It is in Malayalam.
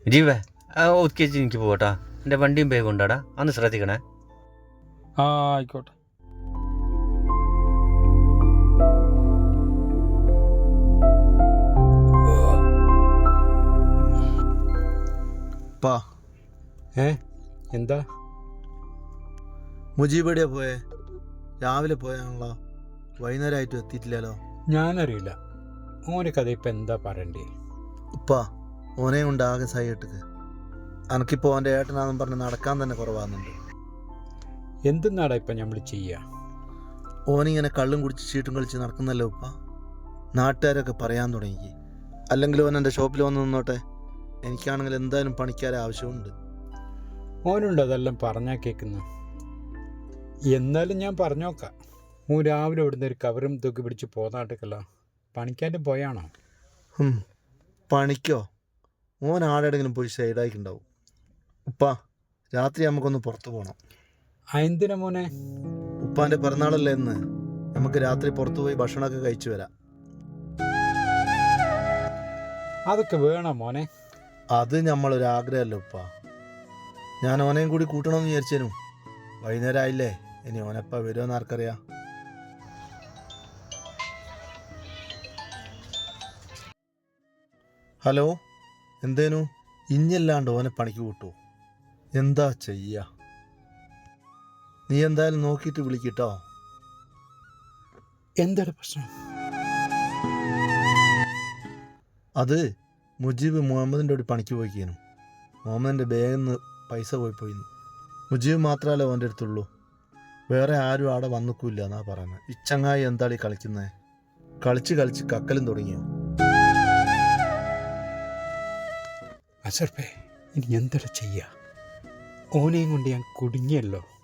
ജീവേ ഒതുക്കി വെച്ച് എനിക്ക് പോകട്ടാ. എൻ്റെ വണ്ടിയും ബാഗ് ഉണ്ടാടാ, അന്ന് ശ്രദ്ധിക്കണേ. ആ ആയിക്കോട്ടെ. എന്താ മുജീബ് എവിടെയാ പോയേ? രാവിലെ പോയാണല്ലോ, വൈകുന്നേരമായിട്ടും എത്തിയിട്ടില്ലല്ലോ. ഞാനറിയില്ല. ഓനെ കഥ ഇപ്പം എന്താ പറയണ്ടേ? ഉപ്പാ, ഓനെ കൊണ്ട് ആകെ സഹിട്ടിക്ക്. അനക്കിപ്പോൾ അവൻ്റെ ഏട്ടനാണെന്ന് പറഞ്ഞ് നടക്കാൻ തന്നെ കുറവാകുന്നുണ്ട്. എന്തെന്നാടാ ഇപ്പം നമ്മൾ ചെയ്യുക? ഓനിങ്ങനെ കള്ളും കുടിച്ച് ചീട്ടും കളിച്ച് നടക്കുന്നല്ലോ ഉപ്പ. നാട്ടുകാരൊക്കെ പറയാൻ തുടങ്ങി. അല്ലെങ്കിൽ ഓൻ എൻ്റെ ഷോപ്പിൽ വന്ന് നിന്നോട്ടെ, എനിക്കാണെങ്കിൽ എന്തായാലും പണിക്കാരെ ആവശ്യമുണ്ട്. ഓനുണ്ട് അതെല്ലാം പറഞ്ഞാൽ കേൾക്കുന്നു. എന്നാലും ഞാൻ പറഞ്ഞോക്കാം. ഓൻ രാവിലെ ഇവിടുന്ന് ഒരു കവറും തൂക്കി പിടിച്ച് പോന്നാട്ടിക്കല്ലോ. പണിക്കാൻ്റെ പോയാണോ? പണിക്കോ? ഓൻ ആടെങ്കിലും പോയി സൈഡായിട്ടുണ്ടാവും. ഉപ്പാ, രാത്രി നമുക്കൊന്ന് പുറത്ത് പോകണം. എന്തിനാ മോനെ? ഉപ്പാൻ്റെ പിറന്നാളല്ലേ എന്ന്, നമുക്ക് രാത്രി പുറത്തു പോയി ഭക്ഷണമൊക്കെ കഴിച്ചു വരാം. അതൊക്കെ വേണം മോനെ. അത് നമ്മളൊരാഗ്രഹമല്ലോ ഉപ്പ. ഞാൻ ഓനെയും കൂടി കൂട്ടണമെന്ന് വിചാരിച്ചേനും. വൈകുന്നേരം ആയില്ലേ, ഇനി ഓനെപ്പ വരുമെന്ന് ആർക്കറിയാം. ഹലോ, എന്തേനു? ഇഞ്ഞല്ലാണ്ട് ഓനെ പണിക്ക് കൂട്ടൂ. എന്താ ചെയ്യ? നീ എന്തായാലും നോക്കിയിട്ട് വിളിക്കിട്ടോ. എന്താണ് പ്രശ്നം? അത് മുജീബ് മുഹമ്മദിൻ്റെ ഒരു പണിക്ക് പോയിക്കേനു. മുഹമ്മദിൻ്റെ ബാഗിൽ നിന്ന് പൈസ പോയിന്ന്. മുജീബ് മാത്രമല്ലേ ഓൻ്റെ അടുത്തുള്ളൂ, വേറെ ആരും അവിടെ വന്നിക്കില്ല എന്നാ പറയുന്നത്. ഈ ചങ്ങായി എന്താളീ കളിക്കുന്നത്? കളിച്ച് കളിച്ച് കക്കലും തുടങ്ങിയോ? അസർപ്പേ, ഇനി എന്താണ് ചെയ്യുക? ഓനെയും കൊണ്ട് ഞാൻ കുടുങ്ങിയല്ലോ.